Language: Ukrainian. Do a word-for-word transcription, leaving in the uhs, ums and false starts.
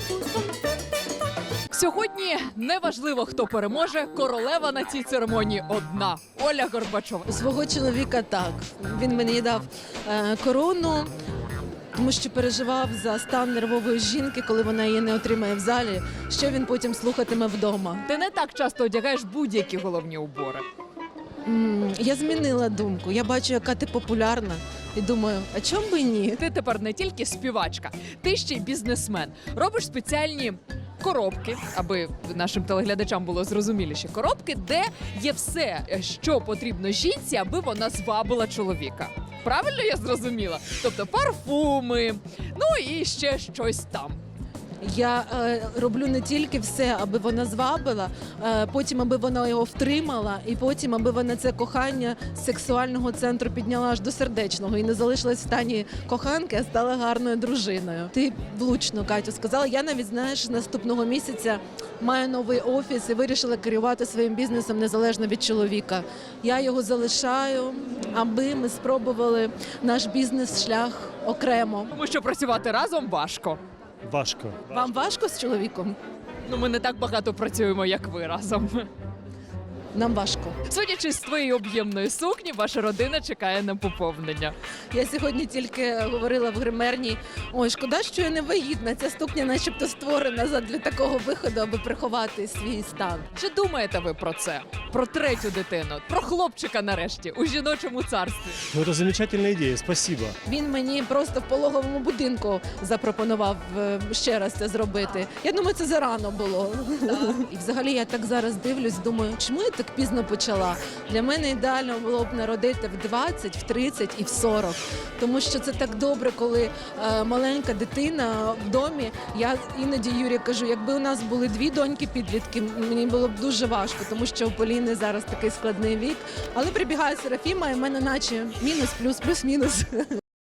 Сьогодні неважливо, хто переможе, королева на цій церемонії одна – Оля Горбачова. Свого чоловіка так. Він мені дав е, корону, тому що переживав за стан нервової жінки, коли вона її не отримає в залі, що він потім слухатиме вдома. Ти не так часто одягаєш будь-які головні убори. М, Я змінила думку. Я бачу, яка ти популярна, і думаю, а чому би ні? Ти тепер не тільки співачка, ти ще й бізнесмен. Робиш спеціальні коробки, аби нашим телеглядачам було зрозуміліше. Коробки, де є все, що потрібно жінці, аби вона звабила чоловіка. Правильно я зрозуміла? Тобто парфуми, ну і ще щось там. Я е, роблю не тільки все, аби вона звабила, е, потім аби вона його втримала, і потім аби вона це кохання з сексуального центру підняла аж до сердечного і не залишилась в стані коханки, а стала гарною дружиною. Ти влучно, Катю, сказала. Я навіть, знаєш, наступного місяця маю новий офіс і вирішила керувати своїм бізнесом незалежно від чоловіка. Я його залишаю, аби ми спробували наш бізнес-шлях окремо. Тому що працювати разом важко. Важко. Вам важко з чоловіком? Ну, ми не так багато працюємо, як ви разом. Нам важко. Судячи з твоєї об'ємної сукні, ваша родина чекає на поповнення. Я сьогодні тільки говорила в гримерні, ой, шкода, що я не вагітна, ця сукня начебто створена задля такого виходу, аби приховати свій стан. Чи думаєте ви про це? Про третю дитину? Про хлопчика нарешті у жіночому царстві? Ну, это замечательная идея, спасибо. Він мені просто в пологовому будинку запропонував е, ще раз це зробити. Я думаю, це зарано було. І взагалі я так зараз дивлюсь, думаю, чому я так пізно почала? Для мене ідеально було б народити в двадцять, в тридцять і в сорок. Тому що це так добре, коли е, маленька дитина в домі. Я іноді Юрі кажу, якби у нас були дві доньки-підлітки, мені було б дуже важко, тому що у Поліни зараз такий складний вік. Але прибігає Серафіма, і в мене наче мінус, плюс, плюс, мінус.